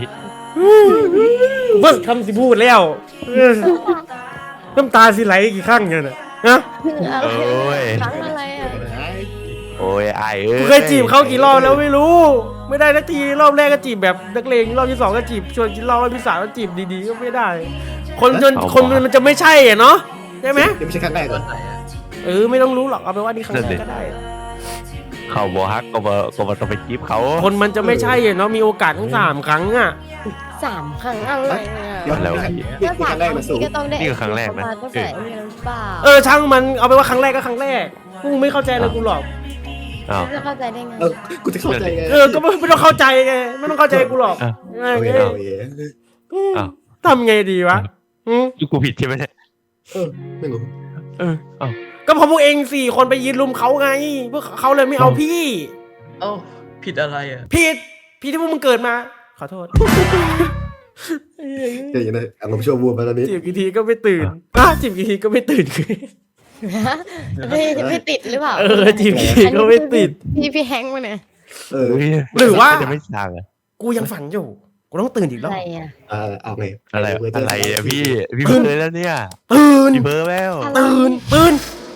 Speaker 2: เบิ้ลคำสิพูดแล้วเออน้ำตาสิไหลกี่ครั้งเนี่ยนะฮะ
Speaker 6: อะไร
Speaker 3: โอ้ย
Speaker 6: ครั้งอะไรอ่ะ
Speaker 3: โอ้ยไอเอ้ย
Speaker 2: กูเคยจีบเขากี่รอบแล้วไม่รู้ ไม่ได้สักทีรอบแรกก็จีบแบบนักเลงรอบที่สองก็จีบชวนกินเหล้ารอบที่สามก็จีบดีๆก็ไม่ได้คนจนคนมันจะไม่ใช่อ่ะเนาะใช่ไหม
Speaker 1: ยังไม่ใช่ครั้งแรก
Speaker 5: ต
Speaker 1: เหร
Speaker 5: อ
Speaker 1: อน
Speaker 5: ไหนอะ
Speaker 2: เออไม่ต้องรู้หรอกเอาไปนว่านี่ครั้งแรกก็ได้
Speaker 3: เขาบอกฮักก็บอกก็บอกต้องไปจีบเขา
Speaker 2: คนมันจะไม่ใช่อ่ะเนาะมีโอกาสทั้งสามครั้งอ่ะ
Speaker 6: สามครั้งอะไรอ่ะ
Speaker 1: เดี๋ยว
Speaker 3: แล้ว
Speaker 1: นี่
Speaker 3: พี่
Speaker 1: ครั้งแรกมาสูง
Speaker 6: ก็ต้องได้
Speaker 3: นี่คือครั้งแรกนะ
Speaker 6: ตั้งแต่เรียนหรือเปล่า
Speaker 2: เออช่างมันเอาไปนว่าครั้งแรกก็ครั้งแรกกูไม่เข้าใจเลยกูหรอก
Speaker 3: อ้าว
Speaker 6: จะเข้าใจได้ไง
Speaker 1: เออกูจะเข้าใจไง
Speaker 2: เออก็ไม่ไม่ต้องเข้าใจไงไม่ต้องเข้าใจกูหรอก
Speaker 3: อ่ะ
Speaker 2: ไง
Speaker 1: เอา
Speaker 2: เอ้
Speaker 1: เอง
Speaker 2: ย
Speaker 1: เอาเอง
Speaker 3: อ้าว
Speaker 2: ทำไงดีวะอืม
Speaker 3: กูผิดใช่ไหมเนี่ย
Speaker 1: เออไม่รู้
Speaker 3: เอออ้าว
Speaker 2: ก็เพราะพวกเองสี่คนไปยืนลุมเขาไงพวกเขาเลยไม่เอาพี่
Speaker 5: เอ้าผิดอะไรอ่ะ
Speaker 2: ผิดพี่ที่พวกมึงเกิดมา ขอโทษ
Speaker 1: เดี๋ยวอย่างนั้นอารมณ์ชั่ววูบมาตอนนี้
Speaker 2: จีบกี่ทีก็ไม่ตื่นอ่ะจีบกี่ทีก็ไม่ตื่น
Speaker 6: ไม่ไม่ติดหรือเปล่า
Speaker 2: เออจีบกี่ทีก็ไม่ติด
Speaker 6: พี่พี่แฮงค์มาเนี่ย
Speaker 1: เออ
Speaker 3: เฮ้ย
Speaker 2: หรือว่า
Speaker 3: จะไม่สั่งอะ
Speaker 2: กูยังฝันอยู่กูต้องตื่นอีกร
Speaker 6: อะ
Speaker 2: อบ
Speaker 6: ไรอ่ะ
Speaker 1: อ่าเอาไง
Speaker 3: อะไรอะไรอะพี่พี่เบอร์แล้วเนี่ย
Speaker 2: ตื่น
Speaker 3: พี่เบอร์แล้ว
Speaker 2: ตื่นตื่น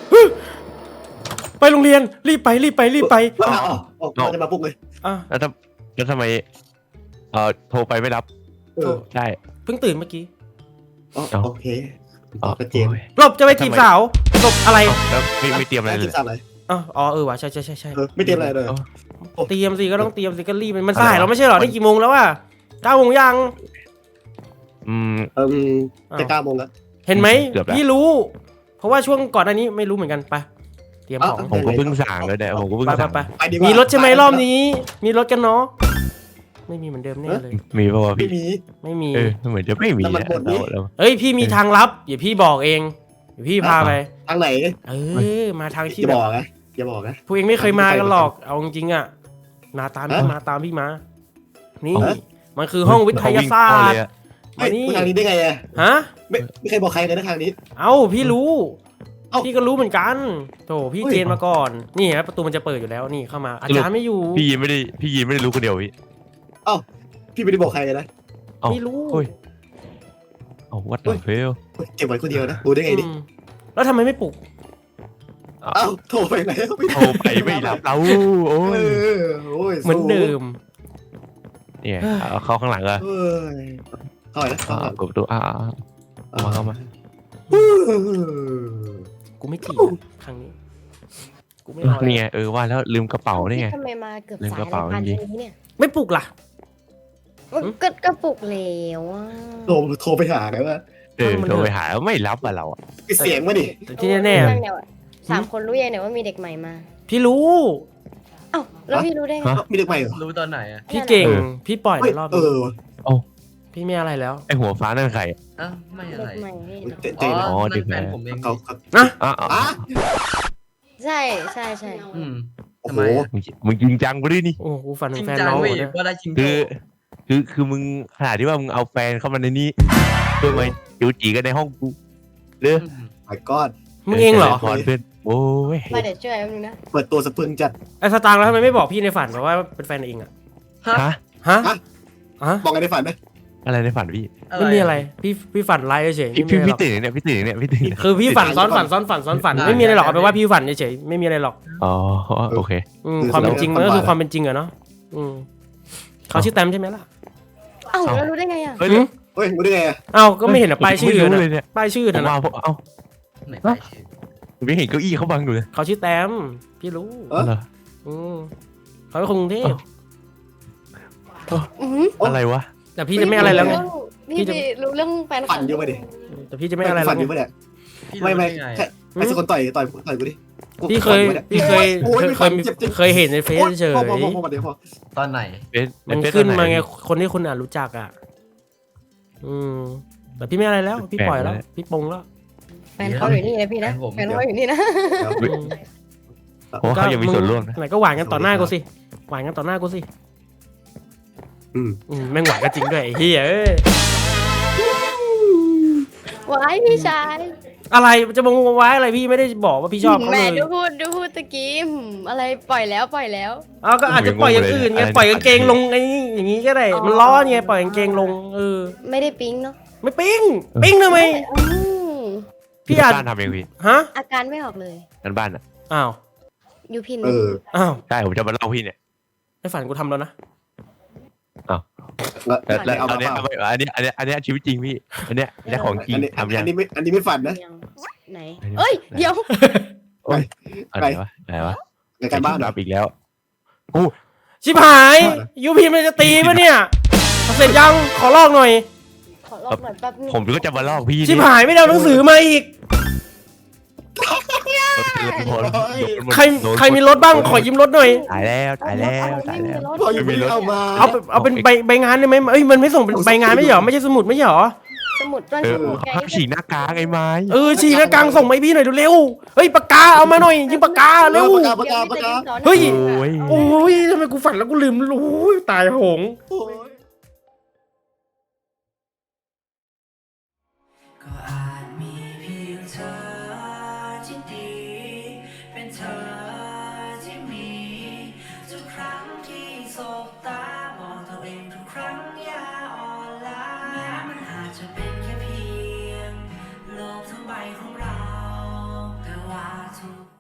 Speaker 2: ไปโรงเรียนรีบไปรีบไปรีบไป
Speaker 1: อ๋ออ๋อเราจะมาปลุกเลย
Speaker 2: อ่ะ
Speaker 3: แล้วทำแล้วทำไมเอ่อโทรไปไม่รับ
Speaker 1: เออ
Speaker 3: ใช่
Speaker 2: เพิ่งตื่นเมื่อกี้
Speaker 1: อ๋อ
Speaker 3: เอา
Speaker 1: โอเค
Speaker 3: อ๋อ
Speaker 1: ชัดเจน
Speaker 3: โอ้ย
Speaker 2: หลบจะไปจีบสาวหลบอะไร
Speaker 3: เอ้าแล้วไม่ไม่เตรียมอะไรเล
Speaker 1: กิ
Speaker 3: ย
Speaker 1: นสัตว์อะไร
Speaker 2: อ๋ออ๋อเออว่ะใช่ใช่ใช่ใช่
Speaker 1: เออไม่เตรียมอะไรเลย
Speaker 3: เอ้า
Speaker 2: เตรียมสิก็ต้องเตรียมสิก็รีบมันสายเราไม่ใช่หรอนี่กี่โมงแล้วอ่ะเก้าโมงยัง
Speaker 3: อืม
Speaker 1: เออจะเก้าโมงแล้ว
Speaker 2: เห็นไหม
Speaker 3: เกือบแล้ว
Speaker 2: พี่รู้ เพราะว่าช่วงก่อนอันนี้ไม่รู้เหมือนกันไปเตรียมของ
Speaker 3: ผมก็เพิ่งสั่งเลยเนี่ยผมก็เพิ่ง
Speaker 2: ไปไป
Speaker 3: สั่ง
Speaker 2: ไป
Speaker 1: ไปดีกว่า
Speaker 2: มีรถใช่ไหมรอบนี้ มีรถกันเนาะไม่มีเหมือนเดิมแน่เลย
Speaker 3: มีป่าวะ
Speaker 1: ไม่
Speaker 3: พี่
Speaker 1: มี
Speaker 2: ไม่มี
Speaker 3: เออเหมือนจะไม่มี
Speaker 1: แล้วมัน
Speaker 3: อะ
Speaker 1: หมดนี่
Speaker 3: เราเรา
Speaker 2: เอ้ยพี่มีทางลับเดี๋ยวพี่บอกเองเดี๋ยวพี่พาไป
Speaker 1: ทางไหน
Speaker 2: เออมาทางที่
Speaker 1: อย่า
Speaker 2: แบบ
Speaker 1: บอกนะอย่าบอกนะ
Speaker 2: พวกเองไม่เคยมากันหรอกเอาจริงๆอ่ะมาตามพี่
Speaker 1: ฮะ
Speaker 2: มาตามพี่มา นี่
Speaker 1: ฮะ
Speaker 2: มันคือห้องวิทยาศาสตร์
Speaker 1: ไม่
Speaker 2: มานี่
Speaker 1: ทางนี้ได้ไงอะ
Speaker 2: ฮะ
Speaker 1: ไม่ไม่เคยบอกใครเลยนะทางนี้
Speaker 2: เอ้าพี่รู้
Speaker 1: เอ้า
Speaker 2: พี่ก็รู้เหมือนกันโถพี่
Speaker 1: เฮ้ย
Speaker 2: เจนมาก่อน นี่ฮะประตูมันจะเปิดอยู่แล้วนี่เข้ามาอาจารย์ไม่อยู่
Speaker 3: พี่ยีนไม่ได้พี่ยีนไม่ได้รู้คนเดียวพี่
Speaker 1: พี่ไม่ได้บอกใครเลยนะ
Speaker 3: เอ้า
Speaker 2: ไม่รู้
Speaker 3: เฮ้ยเอาวัด
Speaker 1: เฮ้ย
Speaker 3: เฟล
Speaker 1: เก็บไว้คนเดียวนะรู้ได้ไงดิ
Speaker 2: อืมแล้วทำไมไม่ปลุก
Speaker 1: เอ้าโทรไปไหนไม่
Speaker 3: โทรไปไม่รับเราโอ้
Speaker 1: เอย อโอ้ย
Speaker 2: เหมือนเดิม
Speaker 3: เนี่ยเอาเข้าข้างหลังอะ
Speaker 1: เอ้ยเข้าไปนะเข้า
Speaker 3: อ่า
Speaker 1: ไป
Speaker 3: กดประตูอ่าเอามาเข้ามา
Speaker 2: กูไม่จีบอะครั้งนี้ กูไม่เอา
Speaker 3: นี่
Speaker 2: แล้ว
Speaker 3: ไงเออว่าแล้วลืมกระเป๋านี่ไง
Speaker 6: ทำไมมาเกือบ
Speaker 3: ลืม
Speaker 6: สาย
Speaker 3: กระเป๋า
Speaker 6: อะไรพัน
Speaker 3: จริง
Speaker 6: นี้เนี่ย
Speaker 2: ไม่ปลุกล่ะ
Speaker 6: ก็กระปุกแล้วอ่ะ
Speaker 1: โทรโทรไปหาไงว่า
Speaker 3: เออโทรไปหาไม่รับอะเราอะ
Speaker 1: ปิดเสียงมาดิ
Speaker 2: แต่ที่แน่
Speaker 6: เรื่องเดียวอะสามคนรู้ยังเนี่ยว่ามีเด็กใหม่มา
Speaker 2: ๆพี่รู้
Speaker 6: เอ้าแล้วพี่รู้ได้ไง
Speaker 3: ฮะ
Speaker 1: มีเด็กใหม่เหรอ
Speaker 5: รู้ตอนไหนอ่ะ
Speaker 2: พี่เก่ง
Speaker 3: เออ
Speaker 2: พี่ปล่อย
Speaker 1: เฮ้ย
Speaker 2: มารอบ
Speaker 1: เอ
Speaker 2: นี้
Speaker 1: อ
Speaker 2: พี่ไม่อะไรแล้ว
Speaker 3: ไอหัวฟ้านั่นใคร
Speaker 5: อ้าวไม่อะ
Speaker 6: เด็
Speaker 5: ไร
Speaker 6: กใหม่พี่
Speaker 1: เจเจ
Speaker 5: อ๋อ
Speaker 1: นะ
Speaker 3: อ๋อเด็
Speaker 5: นั่
Speaker 3: ก
Speaker 5: น
Speaker 3: แหม่
Speaker 5: แฟนผมเอง
Speaker 1: เขาเขา
Speaker 2: นะ
Speaker 3: อ่ะ
Speaker 1: อ่ะ
Speaker 6: ใช่ใช่ใช่
Speaker 5: อืม
Speaker 1: โอ้
Speaker 5: ทำ
Speaker 1: โห
Speaker 5: ไมอะ
Speaker 3: มึงมึงจริงจังกูดินี่
Speaker 2: โอ้โหฝัน
Speaker 5: จ
Speaker 2: ถึ
Speaker 5: ริ
Speaker 2: ง
Speaker 5: ง
Speaker 2: แฟน
Speaker 5: จัง
Speaker 2: น้อง
Speaker 5: เว้ย
Speaker 2: เหรอเนี่ย
Speaker 5: ว่าได้จริง
Speaker 3: คือ คือคือมึงขนาดที่ว่ามึงเอาแฟนเข้ามาในนี้เพื่อมาจูจีกันในห้องกูเรือ
Speaker 1: my god
Speaker 2: มึงเองเหรอ
Speaker 3: พรเพื่อนโอ้ย
Speaker 6: มาเดี๋ยวช่วยแป๊บนึงนะ
Speaker 1: เปิดตัวสะพรึงจัด
Speaker 2: ไอ้สตางค์แล้วทำไมไม่บอกพี่ในฝันบอกว่าเป็นแฟนเองอะ
Speaker 5: ฮะ
Speaker 3: ฮะ
Speaker 2: ฮะ
Speaker 1: ฮะ
Speaker 2: ฮะ
Speaker 1: บอกไงในฝันไหม
Speaker 3: อะไรในฝันพี่
Speaker 2: ไม่มีอะไร พี่พี่ฝันไลฟ์เฉยๆ
Speaker 3: พี่
Speaker 2: ไม่มี
Speaker 3: พี่
Speaker 2: อะไรหรอก
Speaker 3: พี่ตื่นเนี่ยพี่ตื่นเนี่ยพี่ตื่นเนี่ย
Speaker 2: คือพี่ฝันซ้อนฝันซ้อนฝันซ้อนฝันไม่มีอะไรหรอกเอาไปนว่าพี่ฝันเฉยๆไม่มีอะไรหรอก
Speaker 3: อ๋อโอเค
Speaker 2: อืมความเป็นจริงมันก็คือความเป็นจริงอะเนาะอืมเขาชื่อแตมใช่ไหมล่ะ
Speaker 6: เอ้าแล้วรู้ได้ไงอ่ะ
Speaker 3: เฮ้ย
Speaker 2: อืม
Speaker 1: เฮ้ยรู้ได้ไงอะ
Speaker 2: เอ้าก็ไม่เห็นอะป้ายชื่อ
Speaker 3: ไม่รู้
Speaker 2: นะ
Speaker 3: เลยเนี่ย
Speaker 2: ป้ายชื่อ
Speaker 3: ผม
Speaker 2: นะ
Speaker 3: ว่า
Speaker 2: นะ
Speaker 3: ผมเอ้า
Speaker 5: ไหนไปชื่อ
Speaker 3: ผมไม่เห็นเก้าอี้เขาบังอยู่เลย
Speaker 2: เขาชื่อแตมพี่รู้
Speaker 1: เออ
Speaker 3: เหรอ
Speaker 2: อืมเขาเป็นคนกรุงเทพ
Speaker 6: อืม
Speaker 3: อะไรวะ
Speaker 2: แต่พี่จะไม่อะไรแล้วไง พี่
Speaker 6: พี่
Speaker 2: จะ
Speaker 6: ไปรู้เรื่องแฟน
Speaker 1: ฝันอยู่ปะดิ
Speaker 2: แต่พี่จะไม่อะไรแล้
Speaker 1: ฝั
Speaker 2: วน
Speaker 1: อยู่ปะ
Speaker 2: ไง
Speaker 1: เนี่ย
Speaker 5: พี่
Speaker 1: ไม่
Speaker 5: รู้
Speaker 1: ไม่
Speaker 5: ได้ไง
Speaker 1: แค่ไอ้สักคนต่อยต่อยต่อยกูดิกู
Speaker 2: พี่เคย
Speaker 1: ฝันอปะนี่
Speaker 2: พี่เคย
Speaker 1: โอ้ย
Speaker 2: เคย
Speaker 1: ไม่ฝัน
Speaker 2: เคย
Speaker 1: เจ็บเจ็บ
Speaker 2: เคยเห็นในเฟซเฉย
Speaker 1: พอพอพอพอเดี๋ยวพอ
Speaker 5: ตอนไหน
Speaker 3: เป็น
Speaker 2: มัน
Speaker 3: เป็
Speaker 2: ขึ้น
Speaker 3: ตอห
Speaker 2: มาไงคนที่คุณอ่ะรู้จักอ่ะ อืมแต่พี่ไม่อะไรแล้ว พี่ปล่อยแล้ว พี่ปลงแล้ว
Speaker 6: แฟนเขาอยู่นี่นะพี่นะแฟนเขาอยู่นี่นะ
Speaker 1: เดี๋ยว
Speaker 2: อืม
Speaker 3: โอ้เขายังมีส่วนร่วมนะ
Speaker 2: ไหนก็หวานกันต่อหน้ากูสิหวานกันต่อหน้ากูสิ
Speaker 1: อืม
Speaker 2: อืมแม่งหวานกันจริงด้วยไอ้เฮียเอ้ย
Speaker 6: ว้ายพี่ชาย
Speaker 2: อะไรจะมงไว้อะไรพี่ไม่ได้บอกว่าพี่ชอบเขา
Speaker 6: แห
Speaker 2: เล
Speaker 6: ม่
Speaker 2: ย
Speaker 6: ดูพูดดูพูดตะกี้หืมอะไรปล่อยแล้วปล่อยแล้ว
Speaker 2: เอาก็อาจจะปล่อยอย่างอื่นไงปล่อยกางเกงลงไอ้นี่อย่างงี้ก็ได้ มันร้อนไงปล่อยกางเกงลงเออ
Speaker 6: ไม่ได้ปิ๊งเนาะ
Speaker 2: ไม่ปิ้งปิ้งทำไม
Speaker 6: อืม
Speaker 2: พี่อาจ
Speaker 3: บ้านทำเองพี่
Speaker 2: ฮะ
Speaker 6: อาการไม่ออกเลย
Speaker 3: นั่นบ้านอ่ะ
Speaker 2: อ้าว
Speaker 6: ยูพิน
Speaker 1: เออ
Speaker 2: อ้าว
Speaker 3: ใช่ผมจะมาเล่าพี่เนี่ย
Speaker 2: ไอ้ฝันกูทำแล้วนะ
Speaker 1: แล้ว
Speaker 3: แล้วแล้ว
Speaker 1: เอา
Speaker 3: อั
Speaker 1: มาน เป
Speaker 3: เนี้ย
Speaker 1: ล่า
Speaker 3: เอาไปอันเนี้ยอันเนี้ยอันเนี้ยชีวิตจริงพี่อันเนี้ยอันเนี้ยของจริง
Speaker 1: อันนี้
Speaker 3: ทำยั
Speaker 1: อั
Speaker 3: ง
Speaker 1: นนี้ไม่อันนี้ไม่ฝันนะ
Speaker 6: ยังไหน
Speaker 3: อันนี้
Speaker 6: เอ้ย เดี๋ยว
Speaker 3: อะไรวะอะไรวะ
Speaker 1: ในการบ้านเหรอ
Speaker 3: อีกแล้วโอ้
Speaker 2: ชิบหายยูพีมันจะตีปะเนี่ยเสร็จยังขอลอกหน่อย
Speaker 6: ขอลอกหน่อยแป๊บนึง
Speaker 3: ผมก็จะมาลอกพี่
Speaker 2: ชิบหายไม่ได้เอาหนังสือมาอีก ใครใครมีรถบ้างขอยืมรถหน่อย
Speaker 3: ตายแล้วตายแล้วตายแล้ว
Speaker 1: พออยู่ไม่เอามา
Speaker 2: เอาเป็นเอาเป็นใบใบงานได้ไหมเอ้ยมันไม่ส่งเป็นใบงานไม่ใช่เหรอไม่ใช่สมุดไม่ใช่เหรอ
Speaker 6: สมุดต้น
Speaker 3: เอ
Speaker 6: ส
Speaker 3: อ
Speaker 6: มุดแก
Speaker 3: ห้ามฉีกหน้ากากไอ้ไม้
Speaker 2: เออฉีกหน้ากลางส่งมาให้พี่หน่อยเร็วๆเฮ้ยปากกาเอามาหน่อยยิงปากกาเร็ว
Speaker 1: ปากกาปากกาปากกา
Speaker 2: เฮ้ย
Speaker 3: โอ้ย
Speaker 2: โอ้ยทำไมกูฝันแล้วกูลืมโอ้ยตายโหง
Speaker 1: โอ้ย
Speaker 7: ก็อาจมีเพียงเธอที่ดี เป็นเธอที่มี ทุกครั้งที่สบตามองตัวเองทุกครั้งอย่าอ่อนล้าแม้มันอาจจะเป็นแค่เพียงโลกทั้งใบของเรา แต่ว่าทุก